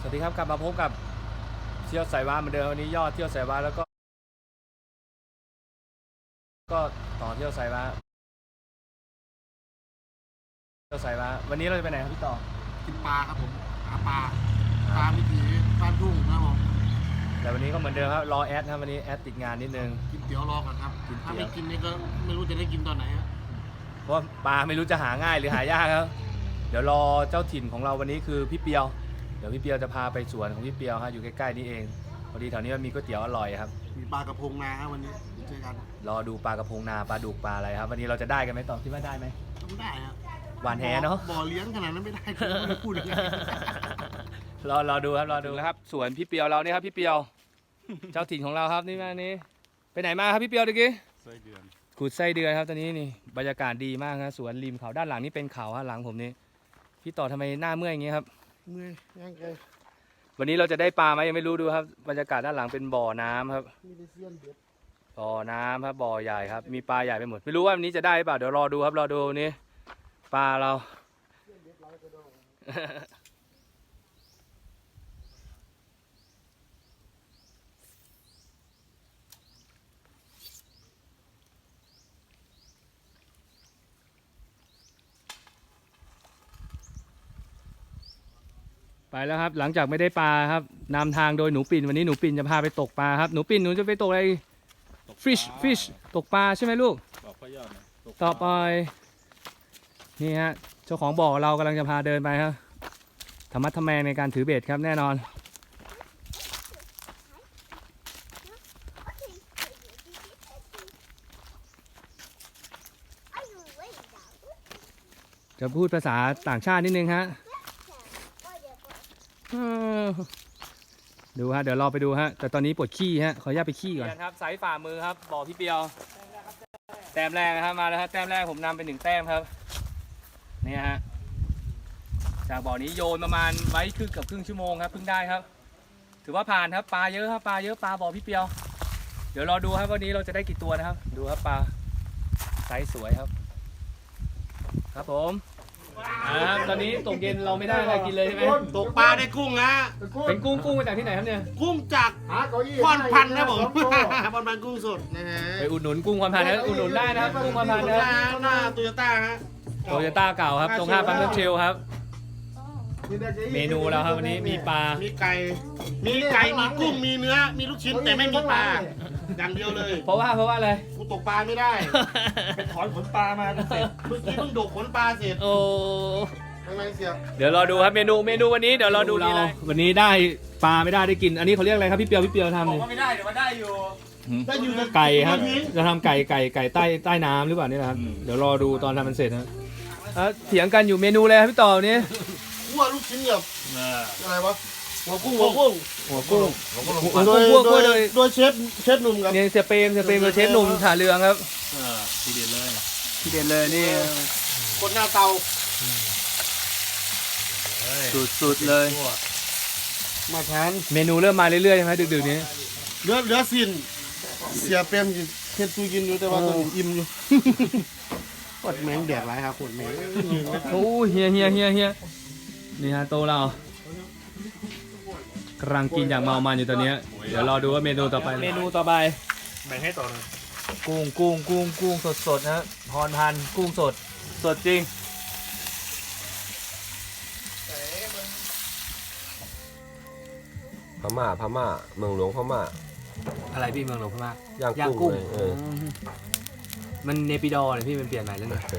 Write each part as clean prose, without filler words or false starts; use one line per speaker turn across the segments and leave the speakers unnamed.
วัสดีครับกลับมาพบกับเที่ยวสายวาเหมือนเดิมวันนี้ยอดเที่ยวสายวาแล้วก็ต่อเที่ยวสายวาวันนี้เราจะไปไหนครับพี่ต่อ
กินปลาครับผมหาปลาวิถีบ้านทุ่งนะครับผม
แต่วันนี้ก็เหมือนเดิมครับรอแอดครับวันนี้แอดติดงานนิดนึง
กินเตี๋ยวรอก่อนครับถ้าไม่กินนี่ก็ไม่รู้จะได้กินตอนไหนครับ
เพราะปลาไม่รู้จะหาง่ายหรือหายากครับเดี๋ยวรอเจ้าถิ่นของเราวันนี้คือพี่เปียวเดี๋ยวพี่เปียวจะพาไปสวนของพี่เปียวครับอยู่ใกล้ๆนี่เองพอดีแถวนี้มันมีก๋วยเตี๋ยวอร่อยครับ
มีปลากระพงนาครับวันนี้เจอกัน
รอดูปลากระพงนาปลาดุกปลาอะไรครับวันนี้เราจะได้กันไหมต่อคิดว่าได้ไหม
ต้องได้ครับ
หวานแหเนาะ
บ่อเลี้ยงขนาดนั้นไม่ได้ไม่พูดอย่างนี้
รอดูครับรอดูแล้วครับสวนพี่เปียวเรานี่ครับพี่เปียวเจ้าถิ่นของเราครับนี่มานี้ไปไหนมาครับพี่เปียวตะกี้
ไส้เดือน
ขุดไส้เดือนครับตอนนี้นี่บรรยากาศดีมากครับสวนริมเขาด้านหลังนี่เป็นเขาฮะหลังผมนี่พี่ต่อทำไมหน้าเมื่อยอย่างงี้ครับ
เมื่อยย่างไกล
วันนี้เราจะได้ปลาไหมยังไม่รู้ดูครับบรรยากาศด้านหลังเป็นบ่อน้ำครับบ่อน้ำครับบ่อใหญ่ครับมีปลาใหญ่ไปหมดไม่รู้ว่าวันนี้จะได้เปล่าเดี๋ยวรอดูครับรอดูนี่ปลาเราไปแล้วครับหลังจากไม่ได้ปลาครับนำทางโดยหนูปิ่นวันนี้หนูปิ่นจะพาไปตกปลาครับหนูปิ่นหนูจะไปตกอะไรฟิชตกปลาใช่ไหมลูกต่อไปนี่ฮะเจ้าของบ่อเรากำลังจะพาเดินไปครับธรรมะทแมงในการถือเบ็ดครับแน่นอนจะพูดภาษาต่างชาตินิดนึงฮะดูฮะเดี๋ยวรอไปดูฮะแต่ตอนนี้ปวดขี้ฮะขออนุญาตไปขี้ก่อนครับไซส์ฝ่ามือครับบ่อพี่เปียวแต้มแรกนะครับมาแล้วครับแต้มแรกผมนำไป1 แต้มครับนี่ฮะจากบ่อนี้โยนประมาณไว้เกือบครึ่งชั่วโมงครับเพิ่งได้ครับถือว่าผ่านครับปลาเยอะครับปลาเยอะปลาบ่อพี่เปียวเดี๋ยวรอดูครับวันนี้เราจะได้กี่ตัวนะครับดูครับปลาไซส์สวยครับครับผมตอนนี้ตกเย็นเราไม่ได้อะไรกินเลยใช่ไหม
ตกปลาได้กุ้งนะ
เป็นกุ้งมาจากที่ไหนครับเนี่ย
กุ้งจากพรพันธุ์นะผมพรพันธุ์กุ้งสดนะฮะ
ไปอุดหนุนกุ้งพรพันธุ์นะอุดหนุนได้นะครับกุ้งพรพันธุ์นะ
หน้าโตโยต้าฮะ
โตโยต้าเก่าครับตรง5 ปั๊มน้ำเชลครับเมนูเราครับวันนี้มีปลา
มีไก่มีกุ้งมีเนื้อมีลูกชิ้นแต่ไม่มีปลาอย่างเดียวเลย
เพราะว่าอะไร
กูตกปลาไม่ได้
ไปถอนขนปลามาเสร็จ
เมื่อกี้เพิ่งดกขนปลาเสร็จ
โอ้
ไม่เสีย
เดี๋ยวรอดูครับเมนูวันนี้เดี๋ยวรอดูเราวันนี้ได้ปลาไม่ได้กินอันนี้เขาเรียกอะไรครับพี่เปียวทำ
บอกว่าไม่ได้เดี๋ยวมาได้อยู่
ไก่ครับจะทำไก่ใต้น้ำหรือเปล่านี่นะครับเดี๋ยวรอดูตอนทำมันเสร็จนะเถียงกันอยู่เมนูเลยครับพี่ต่อนี้
คั่วลูกชิ้นแบบอะไรวะหัวกุ้งโดยเชฟหนุ่มครับ
เนี่ยเสียเปรมโดยเชฟหนุ่มถ่าเรืองครับทีเด็ดเลยนี่
คนหน้าเตา
สุดเลย
มาทาน
เมนูเริ่มมาเรื่อยๆใช่ไหมดึกๆนี้
เหลือสิ้นเสียเปรมเฮ็ดตู้กินอยู่แต่ว่าตอนนี้อิ่มอยู่กดแมงแดดไรครับกดแมง
โอ้เฮียนี่ฮะโตเรากำลังกินอย่างเมามันอยู่ตอนนี้เดี๋ยวรอดูว่าเมนูต่อไปแบ่งให้ต่อเลยกุ้งสดนะพรพันธุ์กุ้งสดจริง
พม่าเมืองหลวงพม่า
อะไรพี่เมืองหลวงพม่า
ย่างกุ้ง
มันเนปิดอร์เลยพี่มันเปลี่ยนใหม่แล้วเนี่ย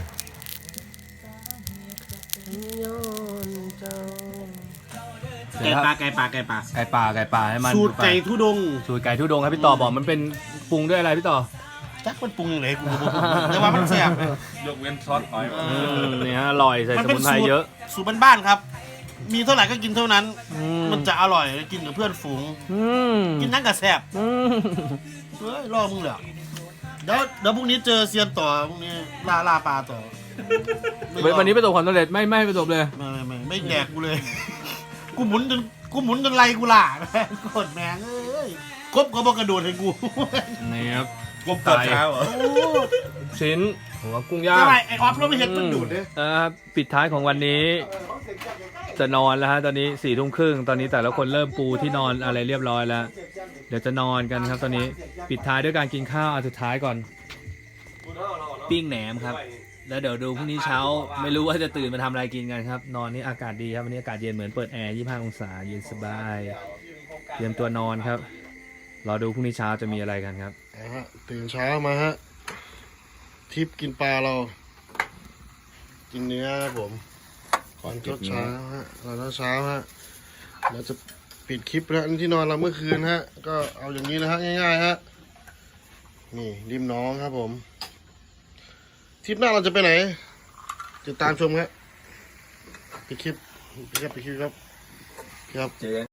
ไก่ปลา
ให้มัน
สูตรไก่ทุดง
ครับพี่ต่อบอกมันเป็นปรุงด้วยอะไรพี่ต่อ
จักมันปรุงอย่างไรกูแต่ว่ามันแซ่บ
ยกเว้นซอสหอย
นี่ฮะอร่อยใส่สมุนไพรเยอะ
สูตรบ้านๆครับมีเท่าไหร่ก็กินเท่านั้นมันจะอร่อยกินกับเพื่อนฝูงกินนั่งกับแซ่บเฮ้ยรอมึงเหรอเดี๋ยวพรุ่งนี้เจอเซียนต่อพรุ่งนี้ล่าปลาต่อ
วันนี้ประสบความสำเร็จไม่ประสบเลย
ไม่แดกกูเลยกูหมุนจนไรกูล่ะกดแมงเอ้ยกบก็บอกกระโดดให้กู
นี่ครับ
กบตัดเท้าเหรอ
ชิ้นหัวกุ้งย่าง
ทำไมไอ้ออฟเราไม่เห็นมันดูดเลย
ปิดท้ายของวันนี้ จะนอนแล้วฮะตอนนี้4 ทุ่มครึ่งตอนนี้แต่ละคนเริ่มปูที่นอนอะไรเรียบร้อยแล้ว เดี๋ยวจะนอนกันครับตอนนี้ปิดท้ายด้วยการกินข้าวอันสุดท้ายก่อน ปิ้งแหนมครับ แล้วเดี๋ยวดูพรุ่งนี้เช้าไม่รู้ว่าจะตื่นมาทำอะไรกินกันครับ นอนนี่อากาศดีครับวันนี้อากาศเย็นเหมือนเปิดแอร์25 องศาเย็นสบายเตรียมตัวนอนครับรอดูพรุ่งนี้เช้าจะมีอะไรกันครับ
ตื่นเช้ามาฮะทิปกินปลาเรา กินเนื้อครับผมก่อนเช้าฮะก่อนเช้าฮะเราจะปิดคลิปแล้วที่นอนเราเมื่อคืนฮะก็เอาอย่างนี้นะฮะง่ายๆฮะนี่ริมน้องครับผมทริปหน้าเราจะไปไหนติดตามชมครับปิดคลิปครับ
เจอ